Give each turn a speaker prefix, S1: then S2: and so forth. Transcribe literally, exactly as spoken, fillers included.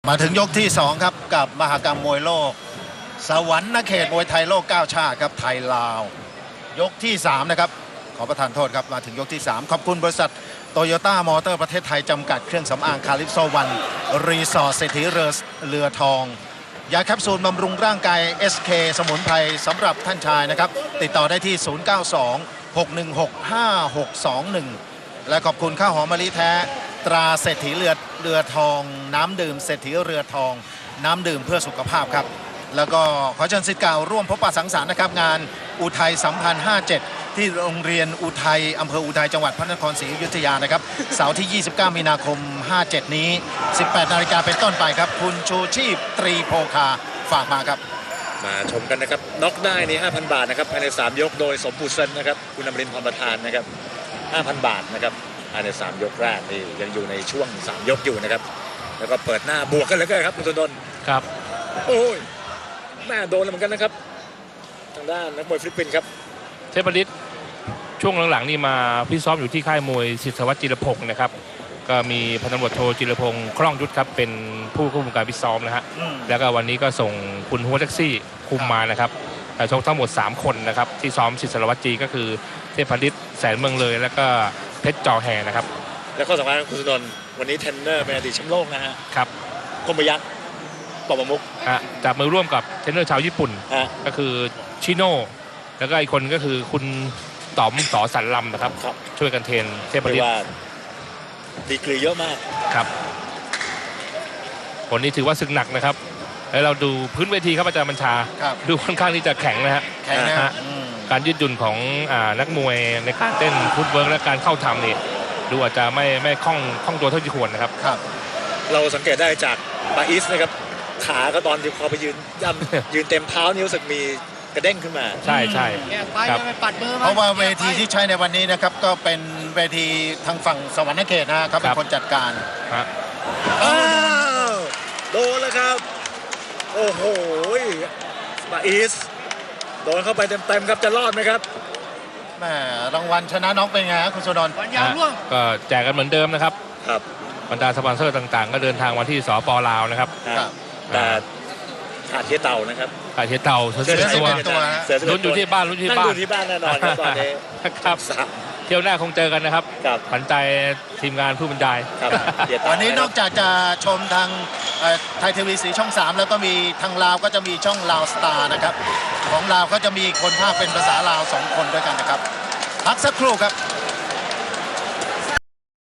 S1: มาถึงยกที่สองครับกับมหกรรมมวยโลกสวรรค์เขตมวยไทยโลกเก้าชาติครับไทยลาวยกที่สามนะครับขอประทานโทษครับมาถึงยกที่สามขอบคุณบริษัทโตโยต้ามอเตอร์ประเทศไทยจำกัดเครื่องสำอางคาลิปโซวันรีสอร์ทเศรษฐีเรือเรือทองยาแคปซูลบำรุงร่างกาย เอส เค สมุนไพรสำหรับท่านชายนะครับติดต่อได้ที่ ศูนย์ เก้า สอง หก หนึ่ง หก ห้า หก สอง หนึ่ง และขอบคุณข้าวหอมมะลิแท้ตราเศรษฐีเรือเรือทองน้ำดื่มเศรษฐีเรือทองน้ำดื่มเพื่อสุขภาพครับแล้วก็ขอเชิญศิษย์เก่าร่วมพบปะสังสรรค์นะครับงานอุทัยสัมพันธ์ห้าเจ็ดที่โรงเรียนอุทัยอำเภออุทัยจังหวัดพระนครศรีอยุธยานะครับเสาร์ที่ยี่สิบเก้ามีนาคมห้าเจ็ดนี้สิบแปดนาฬิกาเป็นต้นไปครับคุณชูชีพตรีโพคาฝากมาครับ
S2: มาชมกันนะครับน็อกได้นี่ ห้าพัน บาทนะครับภายในสามยกโดยสมบูรณ์เซนนะครับคุณอมรินทร์พรประธานนะครับ ห้าพัน บาทนะครับภายในสามยกแรกนี่ยังอยู่ในช่วงสามยกอยู่นะครับแล้วก็เปิดหน้าบวกกันเลยก็ครับคุณตุนนท์
S3: ครับ
S2: โอ้ยแม่โดนเหมือนกันนะครับทางด้านนักมวยฟิลิปปินส์ครับ
S3: เทพฤทธิ์ช่วงหลังๆนี่มาพี่ซ้อมอยู่ที่ค่ายมวยศิษวัตรจิรพงศ์นะครับก็มีพันตำรวจโทจิรพงศ์คล่องยุทธครับเป็นผู้ควบคุมการพิซ้อมนะฮะแล้วก็วันนี้ก็ส่งคุณหัวแท็กซี่คุมมานะครับชกทั้งหมดสามคนนะครับที่ซ้อมศิษวัตรจีก็คือเทพฤทธิ์แสนเมืองเลยแล้วก็เพชรจอแห่นะครับ
S2: แล้วก็สำคัญคุณตุนนท์วันนี้เทรนเนอร์เป็นอดีตแชมป์โลกนะฮะ
S3: ครับ
S2: คมยักษ์ปอบมุก
S3: จับมือร่วมกับเทรนเนอร์ชาวญี่ปุ่นก็คือชิโน่แล้วก็อีกคนก็คือคุณต๋อมสอสันลำนะครับช่วยกันเทรนเทพฤทธิ์
S2: ดีกรีเยอะมาก
S3: ครับคนนี้ถือว่าศึกหนักนะครับแล้วเราดูพื้นเวทีครับอาจารย์บัญชาดูค่อนข้างที่จะแข็งนะฮะ
S1: แข็งนะฮะ
S3: การยืดหยุ่นของนักมวยในการเต้นฟุตเวิร์กและการเข้าทำนี่ดูอาจจะไม่ไม่คล่องคล่องตัวเท่าที่ควรนะครับ
S2: เราสังเกตได้จากปาอิสนะครับขาก็ตอนที่เขาไปยืนย่ำยืนเต็มเท้านิ้วสึกมีกระเด้งขึ้นมา
S3: ใช่ใช่
S1: ครับเพราะว่าเวทีที่ใช้ในวันนี้นะครับก็เป็นเวทีทางฝั่งสวรรค์เขตนะเขาเป็นคนจัดการ
S2: โดนแล้วครับโอ้โหปาอิสโดนเข้าไปเต็มๆครับจะรอดไหมครับ
S1: แม่รางวัลชนะน็อกเป็นไงครับคุณสุดล
S3: ก็แจกกันเหมือนเดิมนะครับ
S2: ครับ
S3: บรรดาสปอนเซอร์ต่างๆก็เดินทางมาที่สป.ลาวนะครับ
S2: แต่ขาดเทียเต่านะครับ
S3: ขาดเทียเต่าเสือตัวลุ้นอยู่ที่บ้านลุ้นที่บ้าน
S2: ลุ้นที่บ้านแน่นอนครับตอนนี้
S3: ครับเที่ยวหน้าคงเจอกันนะครับขวัญใจทีมงานผู้บรรยาย
S1: วันนี้นอกจากจะชมทางไทยทีวีสีช่องสามแล้วก็มีทางลาวก็จะมีช่องลาวสตาร์นะครับของลาวก็จะมีคนภาคเป็นภาษาลาวสองคนด้วยกันนะครับพักสักครู่ครับ